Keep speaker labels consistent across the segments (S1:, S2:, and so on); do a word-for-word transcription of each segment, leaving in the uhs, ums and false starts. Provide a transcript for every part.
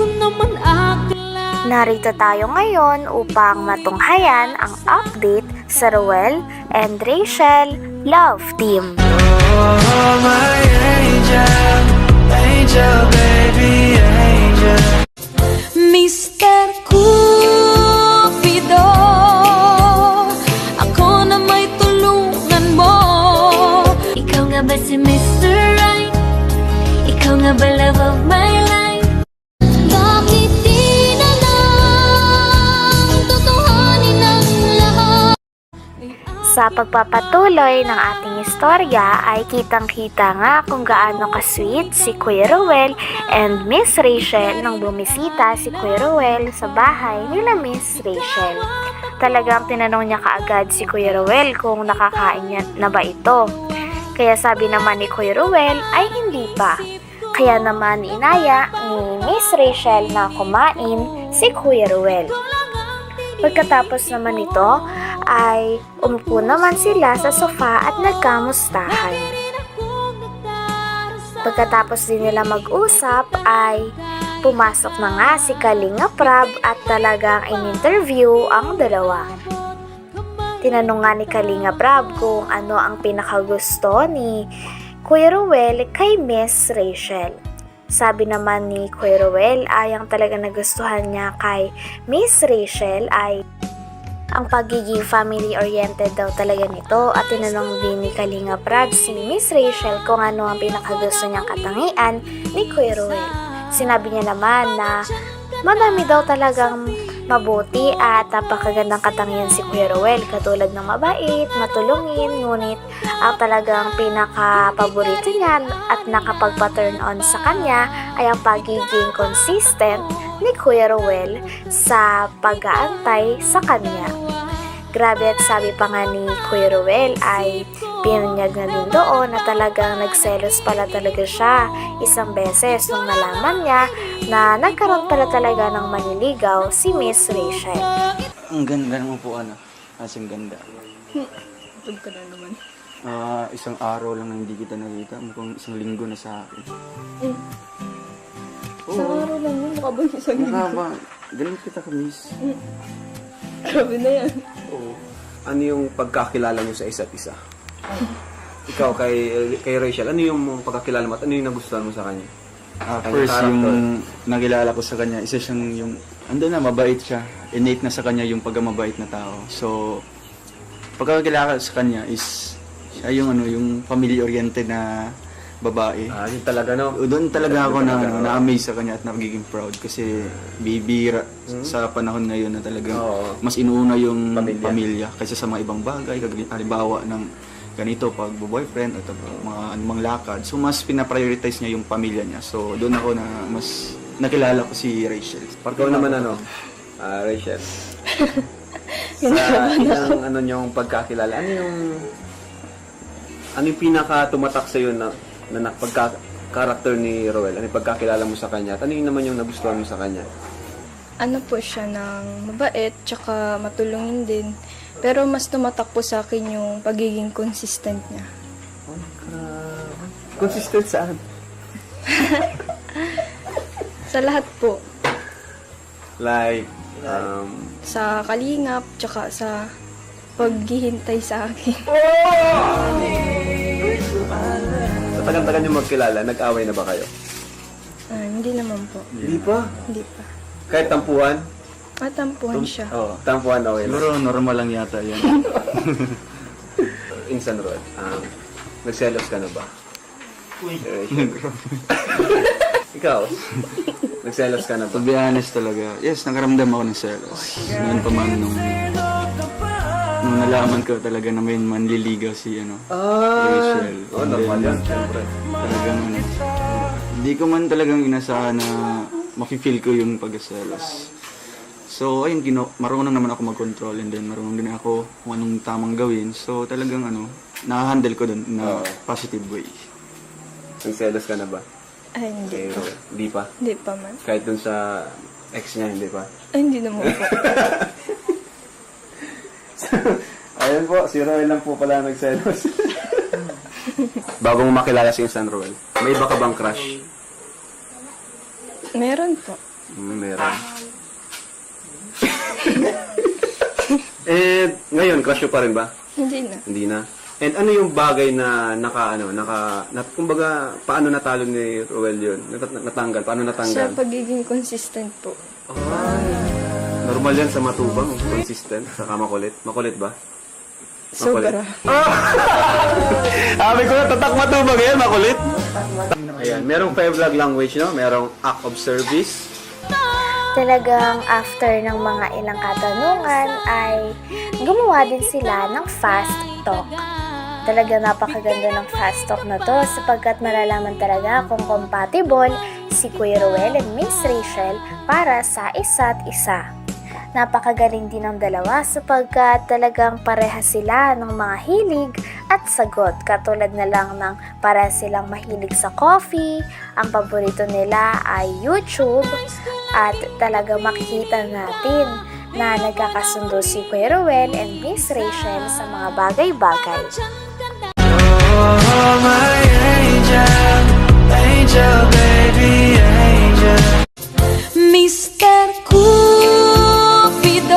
S1: Narito tayo ngayon upang matunghayan ang update sa Ruel and Rachel Love Team.
S2: Oh, my angel, angel, baby, angel.
S3: mister Cupido, ako na may tulungan mo. Ikaw nga ba si mister Right? Ikaw nga ba love of my life? Bakit di na lang tutuhanin ang lahat?
S1: Sa pagpapatuloy ng ating istorya ay kitang-kita nga kung gaano ka-sweet si Kuya Ruel and Miss Rachel nang bumisita si Kuya Ruel sa bahay nila Miss Rachel. Talagang tinanong niya kaagad si Kuya Ruel kung nakakain niya na ba ito. Kaya sabi naman ni Kuya Ruel ay hindi pa. Kaya naman inaya ni Miss Rachel na kumain si Kuya Ruel. Pagkatapos naman nito ay umupo naman sila sa sofa at nagkamustahan. Pagkatapos din nila mag-usap ay pumasok na nga si Kalinga Prab at talagang in-interview ang dalawa. Tinanong nga ni Kalinga Prab kung ano ang pinakagusto ni Kuya Ruel kay Miss Rachel. Sabi naman ni Kuya Ruel ay ang talaga nagustuhan niya kay Miss Rachel ay ang pagiging family-oriented daw talaga nito at tinanong din ni Kalinga Prab si Miss Rachel kung ano ang pinakagusto niyang katangian ni Kuya Ruel. Sinabi niya naman na madami daw talagang mabuti at napakagandang katangian si Kuya Ruel, katulad ng mabait, matulungin, ngunit ang talagang pinaka-paborito niya at nakapagpa-turn on sa kanya ay ang pagiging consistent ni Kuya Ruel sa pag-aantay sa kanya. Grabe, at sabi pa nga ni Kuya Ruel ay pinunyag na din doon na talagang nagselos pala talaga siya isang beses nung nalaman niya na nagkaroon pala talaga ng maniligaw si Miss Rachel.
S4: Ang ganda ng upuan, ah. Asing ganda.
S5: Tug ka na naman.
S4: Ah, isang araw lang na hindi kita nakita. Mukhang isang linggo na sa akin.
S5: Eh. Sa araw lang yun, mukha ba yung isang
S4: Mukha
S5: linggo?
S4: ba? Galing kita ka, miss.
S5: Grabe na yan.
S6: Oo. Ano yung pagkakilala nyo sa isa't isa? Ikaw kay kay Rachel, ano yung pagkakilala mo at ano yung nagustuhan mo sa kanya?
S4: Ah,
S6: Kanyang
S4: first,
S6: character.
S4: yung nakilala ko sa kanya, isa siyang yung, ando na, mabait siya. Innate na sa kanya yung pagkamabait na tao. So, pagkakilala ko sa kanya is, siya yung, ano, yung family-oriented na babae.
S6: Ah, yun talaga, no?
S4: Doon talaga ako na,
S6: Talaga, oo.
S4: na-amaze sa kanya at nagiging proud kasi bibira sa panahon ngayon na talagang
S6: Oo.
S4: mas inuuna yung
S6: Pamilya.
S4: pamilya, kaysa sa mga ibang bagay, kag- halimbawa ng ganito pag boyfriend at mga anumang lakad. So mas pinaprioritize niya yung pamilya niya. So doon ako na mas nakilala ko si Rachel.
S6: Ikaw naman ano, ah, Rachel. Sa isang ano yung pagkakilala, ano yung ano yung pinaka tumatak sa na na pagka character ni Roel? Ano yung pagkakilala mo sa kanya? At ano yung naman yung nagustuhan mo sa kanya?
S5: Ano po siya ng mabait, tsaka matulungin din. Pero mas tumatak po sa akin yung pagiging consistent niya.
S6: Oh, grabe. Consistent saan?
S5: Sa lahat po.
S6: Like, um,
S5: Sa kalingap, tsaka sa paghihintay sa akin.
S6: sa tagal-tagal nyo magkilala, nag-away na ba kayo?
S5: Ah, hindi naman po.
S6: Hindi pa.
S5: Hindi pa.
S6: Kahit tampuhan?
S5: Matampuhan siya.
S4: Oo.
S6: Tampuhan okay na.
S4: Siguro normal lang yata yan.
S6: Insan Rod, um, nagselos ka na ba? Ikaw, nagselos ka na ba?
S4: To be honest talaga, yes, nakaramdam ako ng selos. Ngayon pa man nung, nung nalaman ko talaga na may manliligaw si ano, Rachel.
S6: Oh,
S4: And
S6: normal
S4: then,
S6: yan, syempre.
S4: Talagang ano, hindi ko man talagang inasahan na mafe-feel ko yung pagkaselos. So, ayun, gino, marunong naman ako mag-control and then marunong din ako kung anong tamang gawin. So, talagang ano, na-handle ko dun na
S6: Oo.
S4: positive way.
S6: Nagselos ka na ba?
S5: Ay, hindi
S6: Kay
S5: pa.
S6: Rod? Hindi pa.
S5: Hindi pa man.
S6: Kahit dun sa ex niya, hindi pa.
S5: Ay, hindi naman po.
S6: Ayun po, si Roel lang po pala nagselos. Bago mo makilala si Insan Roel, may iba ka bang crush?
S5: Meron po.
S6: Mm, meron. And ngayon, crush mo pa rin ba?
S5: Hindi na.
S6: Hindi na. And ano yung bagay na naka, ano, naka, nat, kumbaga, paano natalo ni Roel yun? Nat, natanggal, paano
S5: Sa
S6: natanggal?
S5: pagiging consistent po.
S6: Ay, normal yan sa matubang, consistent, saka makulit. Makulit ba?
S5: Sobra.
S6: Sabi ko na, tatak matubang yan, makulit. Ayan, merong five love language, no? Merong act of service.
S1: Talagang after ng mga ilang katanungan ay gumawa din sila ng fast talk. Talagang napakaganda ng fast talk na to sapagkat malalaman talaga kung compatible si Kuya Ruel and Miss Rachel para sa isa't isa. Napakagaling din ng dalawa sapagkat talagang pareha sila ng mga hilig at sagot. Katulad na lang ng para silang mahilig sa coffee, ang paborito nila ay YouTube, at talagang makikita natin na nagkakasundo si Kuya Ruel and Miss Rachel sa mga bagay-bagay.
S2: Oh, my angel, angel, baby, angel.
S3: Mister Cupido,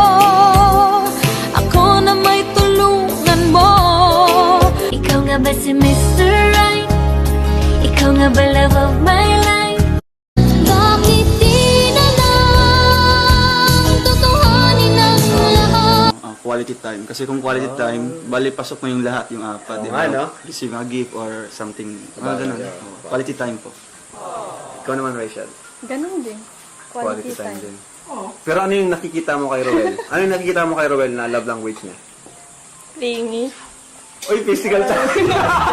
S3: ako na may tulungan mo. Ikaw nga ba si Mister Right? Ikaw nga ba love of my life? Bakit di na lang tutuhanin ang lahat?
S4: Ah, quality time. Kasi kung quality time, bali pasok mo yung lahat, yung apat. di ba?
S6: nga, no?
S4: Receive a gift or something. Mga ganun. Oo, quality time po.
S6: Ikaw naman, Rachel.
S5: Ganun din. Quality, time.
S6: din. Pero ano yung nakikita mo kay Roel? Ano yung nakikita mo kay Roel na love language niya?
S5: Lingi.
S6: Uy, physical time!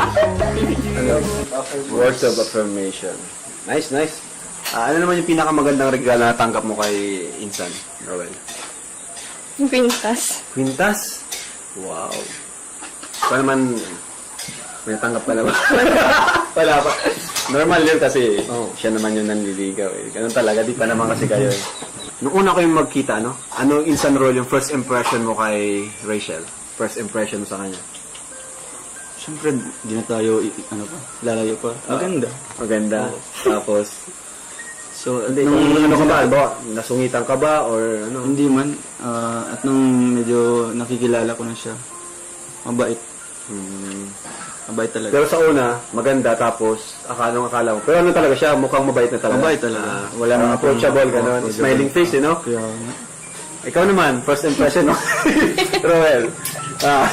S6: Words of affirmation. Nice, nice. Ah, ano naman yung pinakamagandang regalo na natanggap mo kay Insan, Roel?
S5: Pintas.
S6: Quintas? Wow. Ikaw naman, may natanggap ka na ba? Wala pa. Normal yun kasi oh, siya naman yung nanliligaw eh. Ganun talaga, di pa naman kasi kayo eh. Nung una kayong magkita, no? Ano Insan Roel yung first impression mo kay Rachel? First impression mo sa kanya?
S4: Siyempre, di na tayo, i- ano pa, lalayo pa. Maganda.
S6: Maganda. Tapos,
S4: So, at
S6: hindi,
S4: nung,
S6: kung ano ka ba? Ba? Nasungitan ka ba? Or ano?
S4: hindi man, ah, at nung medyo nakikilala ko na siya, mabait.
S6: Hmm.
S4: Mabait talaga.
S6: Pero sa una, maganda, tapos akala mo, akala mo. Pero ano talaga siya? Mukhang mabait na talaga.
S4: Mabait talaga.
S6: Ah, wala nang approachable, gano'n.
S4: Approachable.
S6: Smiling face, you know?
S4: Kaya, nga.
S6: Ikaw naman, first impression mo. Roel. Ah.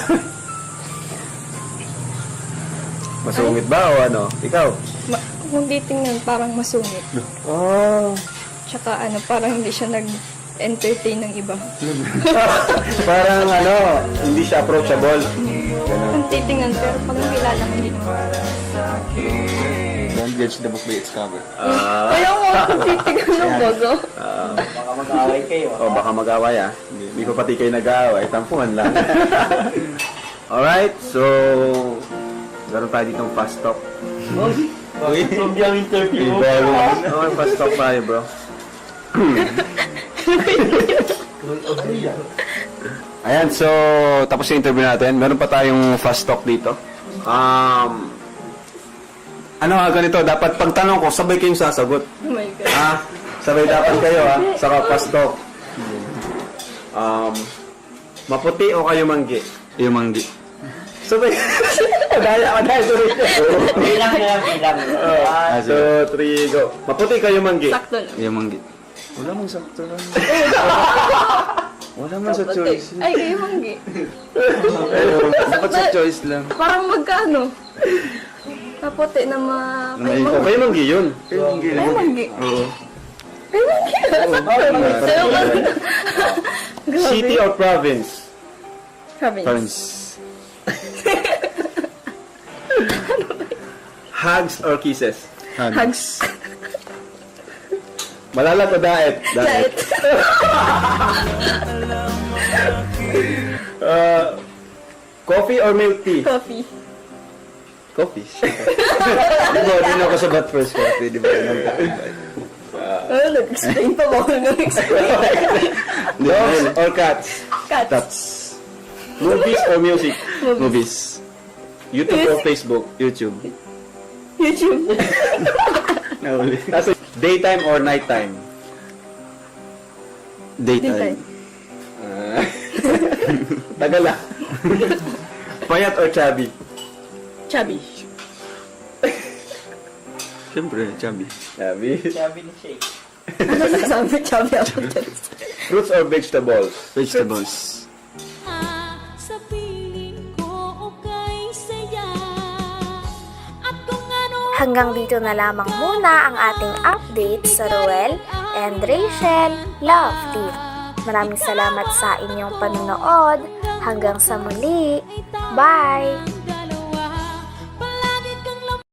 S6: Masungit ba o ano? Ikaw?
S5: Ma- kung titingnan, parang masungit.
S6: Oh.
S5: Tsaka ano, parang hindi siya nag-entertain ng iba.
S6: Parang ano, hindi siya approachable.
S5: Kung titingnan, pero pag nakilala mo, hindi naman.
S4: Don't judge the book by its cover.
S6: Ah.
S5: Kaya mo, kung titingnan ng bago.
S6: O, baka mag-away ah. Hindi, hindi pa pati kayo nag-aaway. Tampuhan lang. Alright, so... Meron tayo ditong fast talk.
S4: Okay. From yung interview.
S6: Okay, fast talk tayo, bro. Ayan, so... Tapos yung interview natin. Meron pa tayong fast talk dito. Um... Ano nga ganito? Dapat pagtanong ko, sabay kayong sasagot.
S5: Oh my God.
S6: Ah, sabay dapat kayo ha, saka pastok. Um, maputi o kayo manggi?
S4: Yung manggi.
S6: Sabay. Madaya, madaya, sorry. Bilang na lang, bilang. One, two, three, go. Maputi kayo manggi?
S5: Sakto lang.
S4: Yung manggi. Wala mong sakto lang. Wala man sa choice.
S5: Ay, kayo manggi.
S4: Dapat sa choice lang.
S5: Parang magkano? Kapote na ma... Kayo
S6: O,
S5: manggi.
S6: kayo manggi yun.
S4: Kayo manggi.
S5: Kayo manggi.
S4: Oo.
S5: Kayo manggi. Kayo manggi.
S6: City or province?
S5: Province.
S4: Parents.
S6: Hugs or kisses?
S4: Hug.
S5: Hugs.
S6: Malalat o daet?
S5: Diet.
S6: Uh, coffee or milk tea?
S5: Coffee.
S4: Coffee. Di ba, din ako sa bat first coffee, di ba?
S5: Oh, nag-explain pa ba ako nag-explain?
S6: Dogs or cats?
S5: Cats.
S4: That's
S6: Movies or music?
S4: movies.
S6: YouTube or Facebook?
S4: YouTube.
S5: YouTube.
S4: Nahuli.
S6: Nasa daytime or nighttime?
S4: Daytime.
S6: Ah. Tagal ah. Payat or chubby?
S7: Chubby.
S4: Siyempre, chubby.
S6: Chubby.
S7: Ano nasabi? Chubby ako.
S6: Fruits or vegetables?
S4: Vegetables.
S3: Sa piling ko okay saya. At kung ano
S1: Hanggang dito na lamang muna ang ating update sa Ruel and Rachel Love Team. Maraming salamat sa inyong panonood. Hanggang sa muli. Bye!